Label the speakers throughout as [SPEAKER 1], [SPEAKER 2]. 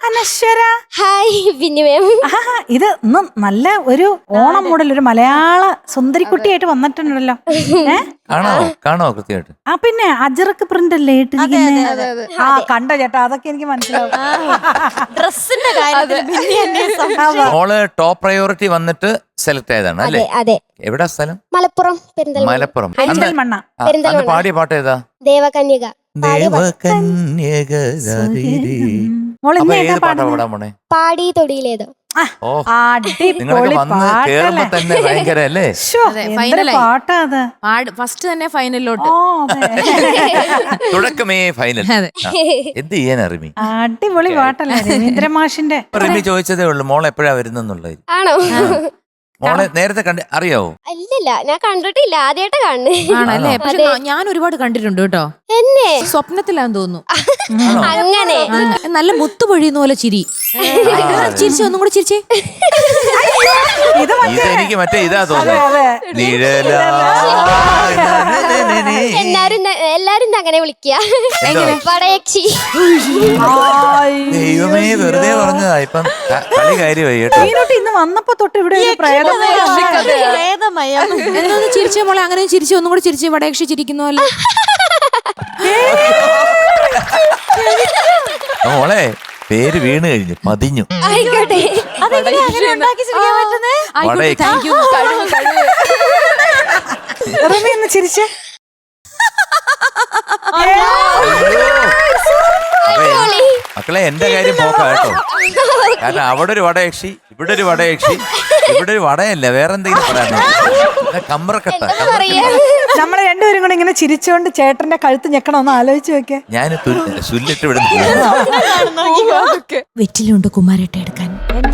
[SPEAKER 1] അനശ്വര.
[SPEAKER 2] Hi പിന്നെ മാം.
[SPEAKER 1] ഇത് ഇന്ന് നല്ല ഒരു ഓണം മോഡൽ ഒരു മലയാള സുന്ദരിക്കുട്ടിയായിട്ട് വന്നിട്ടുണ്ടല്ലോ.
[SPEAKER 3] കാണോ കൃത്യമായിട്ട്.
[SPEAKER 1] ആ പിന്നെ അജറക്ക് പ്രിന്റ് അല്ലേ ഇട്ടിരിക്കുന്നത്? ആ കണ്ടോ ചേട്ടാ, അതൊക്കെ എനിക്ക് മനസ്സിലാവും.
[SPEAKER 4] ഡ്രസ്സിന്റെ
[SPEAKER 3] മോള് ടോപ്പ് പ്രയോറിറ്റി വന്നിട്ട് സെലക്ട് ആയതാണ് അല്ലേ?
[SPEAKER 2] അതെ.
[SPEAKER 3] എവിടാ സ്ഥലം?
[SPEAKER 2] മലപ്പുറം.
[SPEAKER 3] മലപ്പുറം.
[SPEAKER 1] പെരിന്തൽമണ്ണ.
[SPEAKER 3] അന്ന് പാടിയ പാട്ട് ഏതാ?
[SPEAKER 2] ദേവകന്യക. പാടി തൊടിയിലേതോ.
[SPEAKER 3] നിങ്ങളൊക്കെ വന്ന് കേറുമ്പോ തന്നെ ഭയങ്കര അല്ലേ?
[SPEAKER 1] പാട്ടാ അത്.
[SPEAKER 4] ഫസ്റ്റ് തന്നെ ഫൈനലിലോട്ട്.
[SPEAKER 3] തുടക്കമേ ഫൈനൽ. എന്ത് ചെയ്യാൻ റിമി?
[SPEAKER 1] അടിപൊളി പാട്ടല്ലേ രവീന്ദ്ര മാഷിന്റെ.
[SPEAKER 3] റിമി ചോദിച്ചതേ ഉള്ളൂ മോൾ എപ്പോഴാ വരുന്നുള്ളത്.
[SPEAKER 2] ആണോ?
[SPEAKER 3] മോളെ നേരത്തെ അറിയാവോ?
[SPEAKER 2] ഇല്ലില്ല, ഞാൻ കണ്ടിട്ടില്ല, ആദ്യമായിട്ട്
[SPEAKER 4] കാണുന്നല്ലേ. പക്ഷെ ഞാൻ ഒരുപാട് കണ്ടിട്ടുണ്ട് കേട്ടോ.
[SPEAKER 2] എന്നെ
[SPEAKER 4] സ്വപ്നത്തിലാന്ന് തോന്നുന്നു.
[SPEAKER 2] അങ്ങനെ
[SPEAKER 4] നല്ല മുത്തു പൊഴിയുന്ന പോലെ ചിരി. ചിരിച്ചു, ഒന്നും കൂടെ ചിരിച്ചേ.
[SPEAKER 3] ഇതെനിക്ക് മറ്റേ ഇതാ തോന്നുന്നു.
[SPEAKER 2] എല്ലാരും അങ്ങനെ വിളിക്കുക.
[SPEAKER 3] ദൈവമേ വെറുതെ പറഞ്ഞതാ. ഇപ്പം കളി കാര്യമായി കേട്ടോ.
[SPEAKER 1] ഇന്ന് വന്നപ്പോ തൊട്ട് ഇവിടെ
[SPEAKER 4] എന്നൊന്ന് ചിരിച്ചേ മോളെ. അങ്ങനെ ചിരിച്ചു, ഒന്നും കൂടെ ചിരിച്ചു. വടയക്ഷി ചിരിക്കുന്നല്ലോ.
[SPEAKER 3] മോളെ പേര് വീണ് കഴിഞ്ഞു, പതിഞ്ഞു.
[SPEAKER 2] ആയിക്കോട്ടെ.
[SPEAKER 1] ചിരിച്ചേ.
[SPEAKER 3] മക്കളെ എന്റെ കാര്യം പോക്കാ കേട്ടോ. കാരണം അവിടെ ഒരു വടയക്ഷി, ഇവിടെ ഒരു വടയക്ഷി, ഇവിടെ ഒരു വടയല്ല വേറെ എന്തെങ്കിലും പറയാനോ. കമ്പറക്കട്ട.
[SPEAKER 1] നമ്മളെ രണ്ടുപേരും കൂടെ ഇങ്ങനെ ചിരിച്ചോണ്ട് ചേട്ടന്റെ കഴുത്ത് ഞെക്കണമെന്ന് ആലോചിച്ച് നോക്കിയേ.
[SPEAKER 3] ഞാൻ സുല്ലിട്ട് ഇവിടെ
[SPEAKER 4] വെറ്റിലുണ്ട് കുമാരേട്ട എടുക്കാൻ.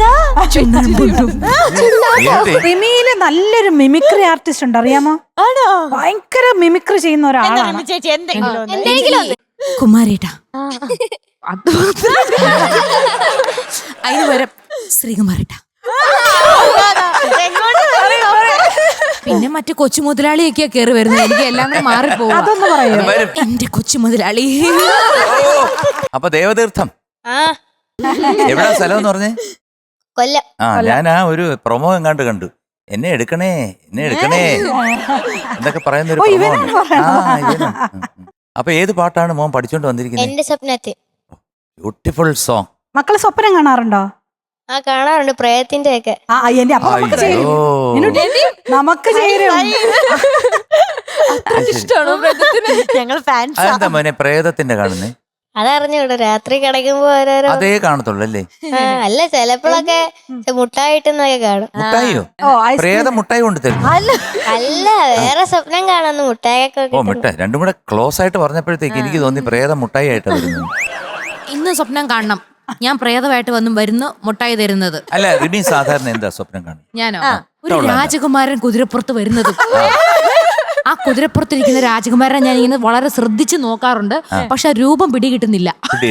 [SPEAKER 1] റിമിയില് നല്ലൊരു മിമിക്രി ആർട്ടിസ്റ്റ് ഉണ്ട്, അറിയാമോ? ഭയങ്കര മിമിക്രി ചെയ്യുന്ന ഒരാളാണ്.
[SPEAKER 4] കുമാരേട്ട അതിന് വരം ശ്രീകുമാരേട്ട. പിന്നെ മറ്റു കൊച്ചു മുതലാളിയൊക്കെയാ കേറി വരുന്നത്. എനിക്ക് എല്ലാം കൂടെ മാറിപ്പോകും.
[SPEAKER 1] അതൊന്ന് പറയൂ.
[SPEAKER 4] എന്റെ കൊച്ചു മുതലാളി.
[SPEAKER 3] അപ്പൊ ദേവതീർത്ഥം എവിടാ സ്ഥലം എന്ന് പറഞ്ഞേ?
[SPEAKER 2] കൊല്ലം.
[SPEAKER 3] ഞാൻ ആ ഒരു പ്രൊമോ എങ്ങാണ്ട് കണ്ടു. എന്നെ എടുക്കണേ എന്നൊക്കെ പറയുന്ന ഒരു പ്രൊമോ ഉണ്ട്. അപ്പൊ ഏത് പാട്ടാണ് മോൻ പഠിച്ചോണ്ട് വന്നിരിക്കുന്നത്?
[SPEAKER 2] എന്റെ സ്വപ്നത്തിൽ.
[SPEAKER 3] Beautiful song.
[SPEAKER 1] മക്കള് സ്വപ്നം കാണാറുണ്ടോ?
[SPEAKER 2] കാണാറുണ്ട്, പ്രേതത്തിന്റെ ഒക്കെ.
[SPEAKER 1] നമുക്ക്
[SPEAKER 3] അതെന്താ മോനെ പ്രേതത്തിന്റെ കാണുന്നേ?
[SPEAKER 2] അതറിഞ്ഞൂടെ, രാത്രി കിടക്കുമ്പോ ഓരോരോ
[SPEAKER 3] അതേ കാണത്തുള്ളൂ അല്ലേ?
[SPEAKER 2] അല്ല, ചിലപ്പോഴൊക്കെ മുട്ടായിട്ടെന്നൊക്കെ കാണും.
[SPEAKER 3] മുട്ടായിയോ? പ്രേതം മുട്ടായി കൊണ്ട് തരും?
[SPEAKER 2] അല്ല, വേറെ സ്വപ്നം കാണുന്നു മുട്ടായൊക്കെ.
[SPEAKER 3] ഓ മുട്ടായി. രണ്ടും കൂടെ ക്ലോസ് ആയിട്ട് പറഞ്ഞപ്പോഴത്തേക്ക് എനിക്ക് തോന്നി പ്രേതം മുട്ടായി ആയിട്ട് വരുന്നു.
[SPEAKER 4] ഇന്ന് സ്വപ്നം കാണണം, ഞാൻ പ്രേതമായിട്ട് വരുന്നു മുട്ടായി തരുന്നത്.
[SPEAKER 3] അല്ല റിമി സാധാരണ എന്താ സ്വപ്നം കാണും?
[SPEAKER 4] ഞാനോ ഒരു രാജകുമാരൻ കുതിരപ്പുറത്ത് വരുന്നത്. ആ കുതിരപ്പുറത്തിരിക്കുന്ന രാജകുമാരനെ ഞാൻ ഇങ്ങനെ വളരെ ശ്രദ്ധിച്ച് നോക്കാറുണ്ട്. പക്ഷെ രൂപം പിടികിട്ടുന്നില്ല.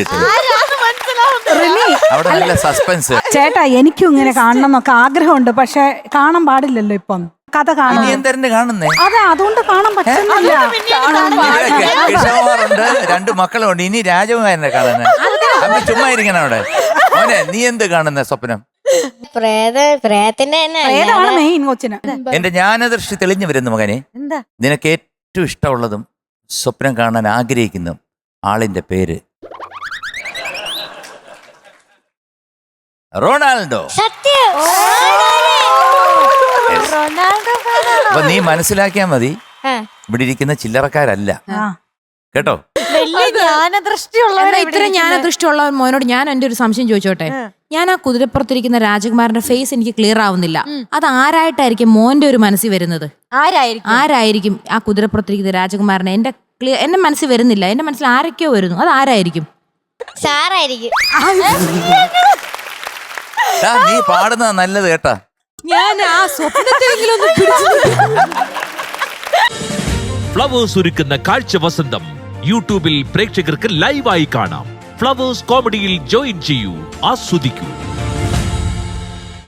[SPEAKER 3] സസ്പെൻസ്.
[SPEAKER 1] ചേട്ടാ എനിക്കും ഇങ്ങനെ കാണണം എന്നൊക്കെ ആഗ്രഹമുണ്ട്, പക്ഷെ കാണാൻ പാടില്ലല്ലോ ഇപ്പം. കഥ കാണാൻ അതെ, അതുകൊണ്ട് കാണാൻ പറ്റുന്നില്ല.
[SPEAKER 3] കിഷോറുണ്ട്, 2 മക്കളുണ്ട്, ഇനി രാജകുമാരനെ കാണുന്നത്. ചുമ്മാ ഇരിക്കണം അവിടെ. മോനെ നീ എന്ത് കാണുന്ന സ്വപ്നം? എന്റെ ജ്ഞാനദൃഷ്ടി തെളിഞ്ഞു വരുന്നു മകനെ. നിനക്ക് ഏറ്റവും ഇഷ്ടമുള്ളതും സ്വപ്നം കാണാൻ ആഗ്രഹിക്കുന്ന ആളിന്റെ പേര് റൊണാൾഡോ. അപ്പൊ നീ മനസ്സിലാക്കിയാ മതി, ഇവിടെ ഇരിക്കുന്ന ചില്ലറക്കാരല്ല കേട്ടോ.
[SPEAKER 4] ഇത്രയും ജ്ഞാനദൃഷ്ടിയുള്ള മോനോട് ഞാൻ എന്റെ ഒരു സംശയം ചോദിച്ചോട്ടെ. ഞാൻ ആ കുതിരപ്പുറത്തിരിക്കുന്ന രാജകുമാരന്റെ ഫേസ് എനിക്ക് ക്ലിയർ ആവുന്നില്ല. അത് ആരായിട്ടായിരിക്കും മോന്റെ ഒരു മനസ്സിൽ വരുന്നത്? ആരായിരിക്കും ആ കുതിരപ്പുറത്തിരിക്കുന്ന രാജകുമാരനെ? എന്റെ മനസ്സിൽ വരുന്നില്ല. എന്റെ മനസ്സിൽ ആരൊക്കെയോ വരുന്നു. അത് ആരായിരിക്കും?
[SPEAKER 2] സാറായിരിക്കും.
[SPEAKER 3] നീ പാടുന്നത് നല്ലത് കേട്ടാ.
[SPEAKER 4] ഞാൻ ആ സ്വപ്നത്തെങ്കിലും
[SPEAKER 5] ഫ്ലവേഴ്സ് ഒരുക്കുന്ന കാഴ്ച വസന്തം യൂട്യൂബിൽ പ്രേക്ഷകർക്ക് ലൈവായി കാണാം. ഫ്ലവേഴ്സ് കോമഡിയിൽ ജോയിൻ ചെയ്യൂ, ആസ്വദിക്കൂ.